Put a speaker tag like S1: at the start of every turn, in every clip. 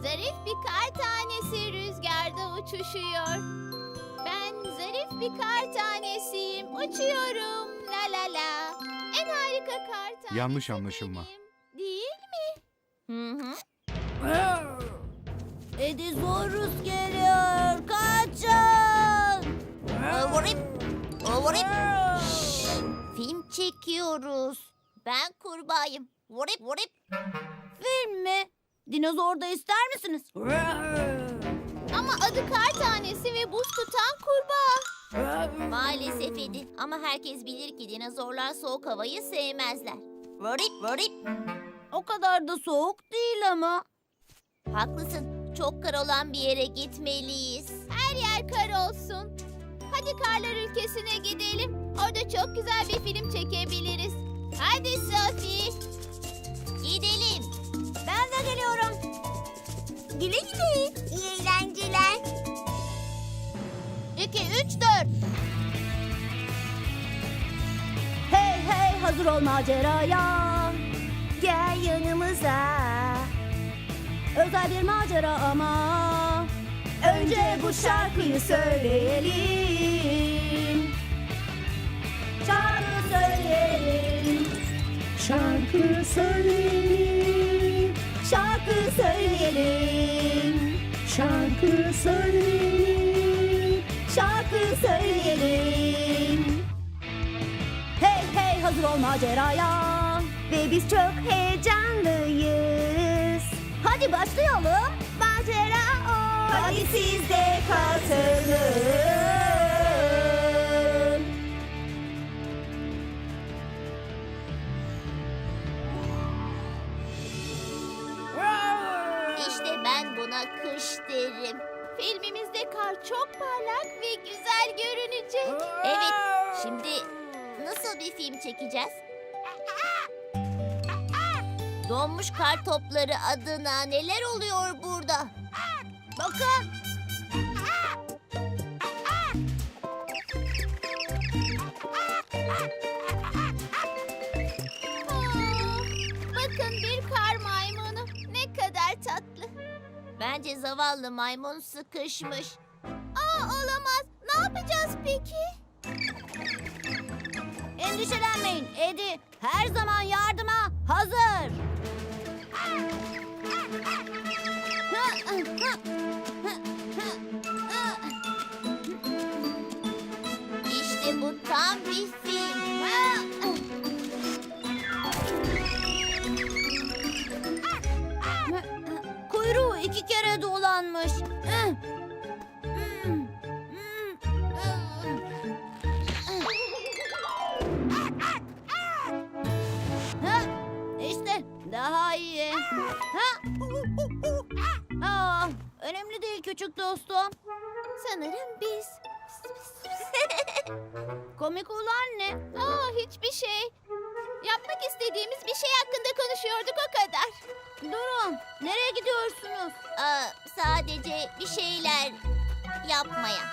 S1: Zarif bir kar tanesi rüzgarda uçuşuyor. Ben zarif bir kar tanesiyim, uçuyorum la la la. En harika kar tanesi
S2: Yanlış anlaşılma.
S1: benim, değil mi? Hı hı.
S3: Edizorus geliyor. Kaçın.
S1: Film çekiyoruz. Ben kurbağayım. Vurip vurip.
S3: Film mi? Dinozor da ister misiniz?
S1: Ama adı kar tanesi ve buz tutan kurbağa. Maalesef Edi. Ama herkes bilir ki dinozorlar soğuk havayı sevmezler. Vurip vurip.
S3: O kadar da soğuk değil ama.
S1: Haklısın. Çok kar olan bir yere gitmeliyiz. Her yer kar olsun. Hadi karlar ülkesine gidelim. Orada çok güzel bir film çekebiliriz. Hadi Sophie. Gidelim.
S3: Ben de geliyorum.
S1: Güle güle. İyi eğlenceler. 2, 3, 4.
S3: Hey hey hazır ol maceraya. Gel yanımıza. Özel bir macera ama. Önce bu şarkıyı söyleyelim. Şarkı söyleyelim.
S4: Şarkı söyleyelim,
S3: Şarkı söyleyelim.
S4: şarkı söyleyelim.
S3: Şarkı söyleyelim. Hey hey hazır ol maceraya. Ve biz çok heyecanlıyız. Hadi başlayalım. Macera o. Hadi siz de katılın.
S1: İşte ben buna kış derim. Filmimizde kar çok parlak ve güzel görünecek. Evet, şimdi nasıl bir film çekeceğiz? Donmuş kar topları adına neler oluyor burada? Bakın. Bakın bir kar maymunu. Ne kadar tatlı. Bence zavallı maymun sıkışmış. Olamaz. Ne yapacağız peki?
S3: Endişelenmeyin Edi. Her zaman yardıma hazır.
S1: İşte bu tam bir film.
S3: Kuyruğu 2 kere dolanmış. İşte daha iyi. Önemli değil küçük dostum.
S1: Sanırım biz.
S3: Komik olan ne?
S1: Hiçbir şey. Yapmak istediğimiz bir şey hakkında konuşuyorduk o kadar.
S3: Durun. Nereye gidiyorsunuz?
S1: Sadece bir şeyler yapmaya.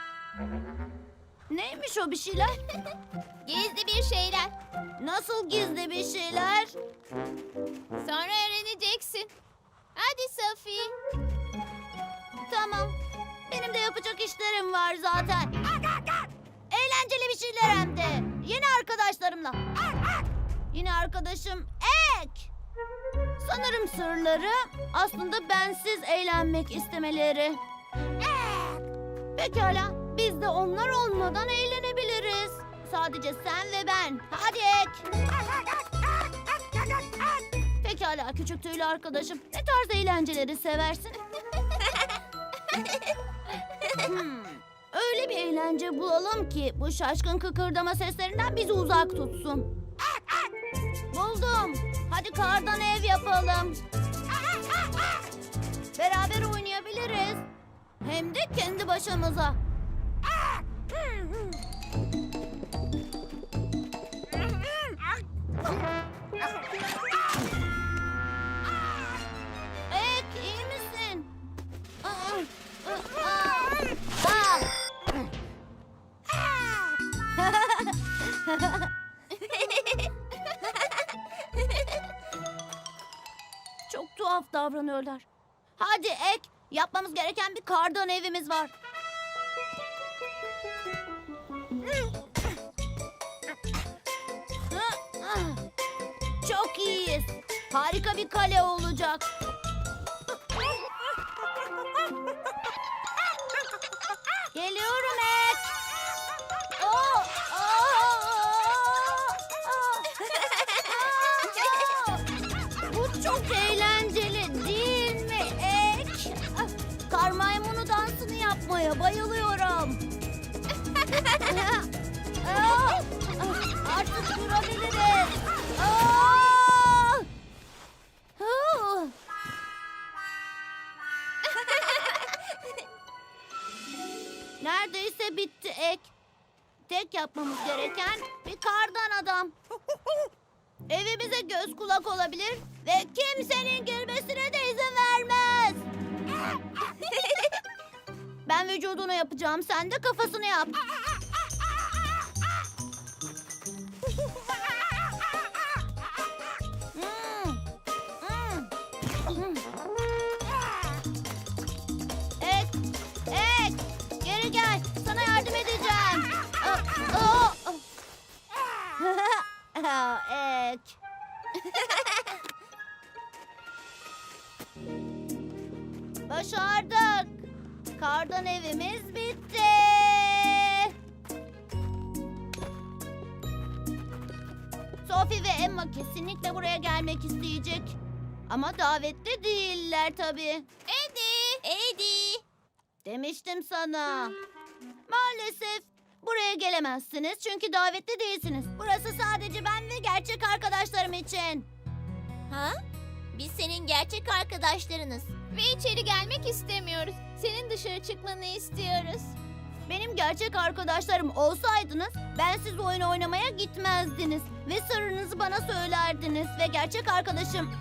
S3: Neymiş o bir şeyler?
S1: Gizli bir şeyler.
S3: Nasıl gizli bir şeyler?
S1: Sonra öğreneceksin. Hadi Sophie.
S3: Tamam. Benim de yapacak işlerim var zaten. Eğlenceli bir şeyler hem de. Yeni arkadaşlarımla. Yine arkadaşım Ek. Sanırım sırları aslında bensiz eğlenmek istemeleri. Pekala. Biz de onlar olmadan eğlenebiliriz. Sadece sen ve ben. Hadi Ek. Pekala küçük tüylü arkadaşım. Ne tarz eğlenceleri seversin? Öyle bir eğlence bulalım ki bu şaşkın kıkırdama seslerinden bizi uzak tutsun. Buldum. Hadi kardan ev yapalım. Beraber oynayabiliriz. Hem de kendi başımıza. Ek, iyi misin? Çok tuhaf davranıyorlar. Hadi Ek, yapmamız gereken bir kardan evimiz var. Çok iyiyiz. Harika bir kale olacak. Geliyorum Ek. Oo, Bu çok eğlenceli değil mi Ek? Kar maymunu dansını yapmaya bayılıyorum. Artık durabiliriz. Neredeyse bitti Ek. Tek yapmamız gereken bir kardan adam. Evimize göz kulak olabilir ve kimsenin girmesine de izin vermez. Ben vücudunu yapacağım, sen de kafasını yap. Ek, Ek, geri gel. Sana yardım edeceğim. Ek. Başardık. Kardan evimiz bitti. Sophie ve Emma kesinlikle buraya gelmek isteyecek. Ama davetli değiller tabii.
S1: Eddie.
S3: Demiştim sana. Maalesef buraya gelemezsiniz çünkü davetli değilsiniz. Burası sadece ben ve gerçek arkadaşlarım için.
S1: Ha? Biz senin gerçek arkadaşlarınız. Ve içeri gelmek istemiyoruz. Senin dışarı çıkmanı istiyoruz.
S3: Benim gerçek arkadaşlarım olsaydınız ben siz oyun oynamaya gitmezdiniz. Ve sırrınızı bana söylerdiniz ve gerçek arkadaşım...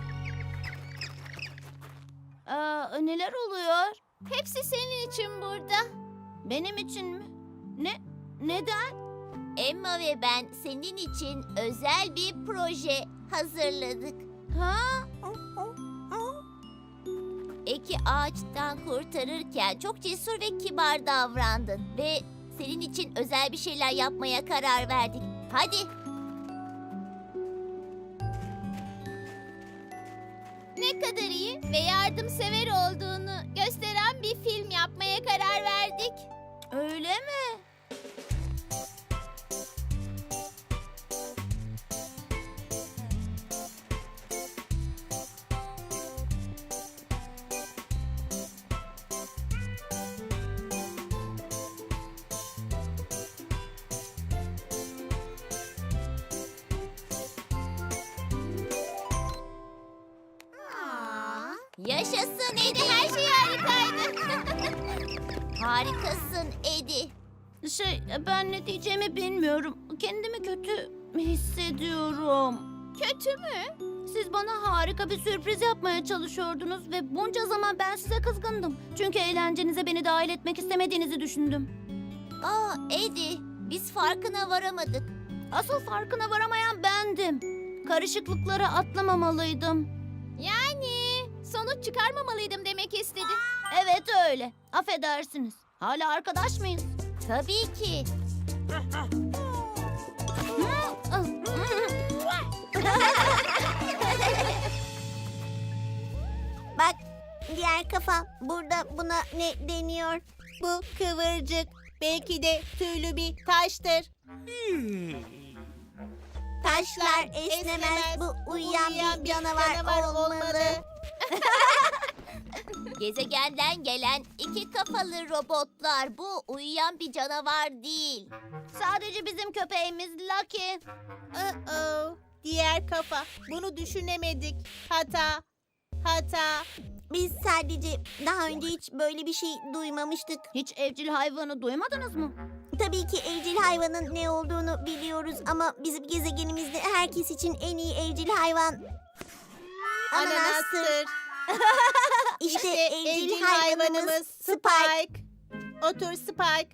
S3: neler oluyor?
S1: Hepsi senin için burada.
S3: Benim için mi? Neden?
S1: Emma ve ben senin için özel bir proje hazırladık.
S3: Ha?
S1: Eki ağaçtan kurtarırken çok cesur ve kibar davrandın. Ve senin için özel bir şeyler yapmaya karar verdik. Hadi. Ne kadar iyi ve yardımsever olduğunu gösteren bir film yapmaya karar verdik.
S3: Öyle mi?
S1: Yaşasın Eddie, her şey harikaydı. Harikasın Eddie.
S3: Ben ne diyeceğimi bilmiyorum. Kendimi kötü hissediyorum.
S1: Kötü mü?
S3: Siz bana harika bir sürpriz yapmaya çalışıyordunuz ve bunca zaman ben size kızgındım. Çünkü eğlencenize beni dahil etmek istemediğinizi düşündüm.
S1: Eddie, biz farkına varamadık.
S3: Asıl farkına varamayan bendim. Karışıklıkları atlamamalıydım.
S1: Yani sonuç çıkarmamalıydım demek istedi.
S3: Evet öyle. Affedersiniz. Hala arkadaş mıyız?
S1: Tabii ki.
S2: Bak, diğer kafa. Burada buna ne deniyor? Bu kıvırcık. Belki de tüylü bir taştır. Taşlar esnemez. Bu uyuyan bir canavar olmalı.
S1: Gezegenden gelen iki kafalı robotlar. Bu uyuyan bir canavar değil.
S3: Sadece bizim köpeğimiz Lucky.
S2: Diğer kafa. Bunu düşünemedik. Hata. Biz sadece daha önce hiç böyle bir şey duymamıştık.
S3: Hiç evcil hayvanı duymadınız mı?
S2: Tabii ki evcil hayvanın ne olduğunu biliyoruz ama bizim gezegenimizde herkes için en iyi evcil hayvan ananastır. İşte evcil hayvanımız Spike. Otur Spike.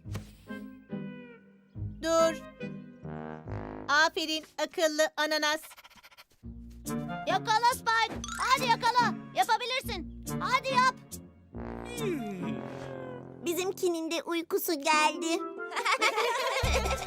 S2: Dur. Aferin akıllı ananas.
S3: Yakala Spike. Hadi yakala. Yapabilirsin. Hadi yap.
S2: Bizimkinin de uykusu geldi.